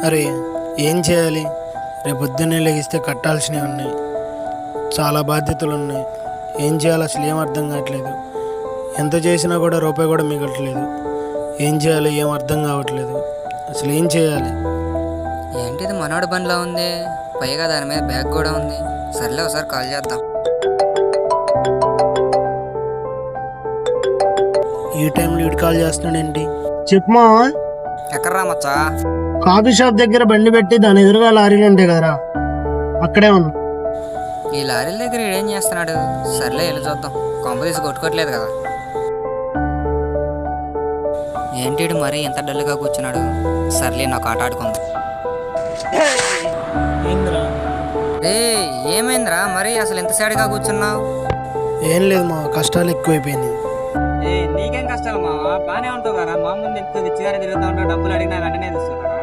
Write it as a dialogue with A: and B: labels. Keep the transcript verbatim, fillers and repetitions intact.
A: అరే ఏం చేయాలి? రేపు పొద్దున్నే లెగిస్తే కట్టాల్సినవి ఉన్నాయి, చాలా బాధ్యతలు ఉన్నాయి. ఏం చేయాలి అసలు ఏం అర్థం కావట్లేదు. ఎంత చేసినా కూడా రూపాయి కూడా మిగలట్లేదు. ఏం చేయాలి ఏం అర్థం కావట్లేదు. అసలు ఏం చేయాలి?
B: ఏంటిది మనోడి బండిలో ఉంది, పైగా దాని మీద బ్యాగ్ కూడా ఉంది. సర్లే ఒకసారి కాల్ చేద్దాం.
A: ఈ టైంలో ఇటు కాల్ చేస్తున్నాడేంటి?
C: చెప్పమా.
B: ఎక్కడ రా మచ్చా?
C: కాఫీ షాప్ దగ్గర బండి పెట్టి దాని ఎదురుగా లారీలు ఉంటాయి కదరా, అక్కడే ఉన్నా.
B: ఈ లారీల దగ్గర ఏం చేస్తున్నాడు? సర్లే వెళ్ళి చూద్దాం. కొంప తీసి కొట్టుకోవట్లేదు కదా. ఏంటి ఈడు మరీ ఎంత డల్గా కూర్చున్నాడు? సర్లే నాకు ఆట ఆడుకుందాం. ఏ ఏమైందిరా మరి అసలు ఎంత సాడిగా కూర్చున్నావు?
A: ఏం లేదు మా కష్టాలు ఎక్కువైపోయినాయి.
D: ఏ నీకేం కష్టాలు మావా, బానే ఉంటావు కదా. మా ముందు ఎంత చిగానే తిరుగుతా ఉంటావు, డబ్బులు అడిగినా వెంటనే ఇస్తున్నారా?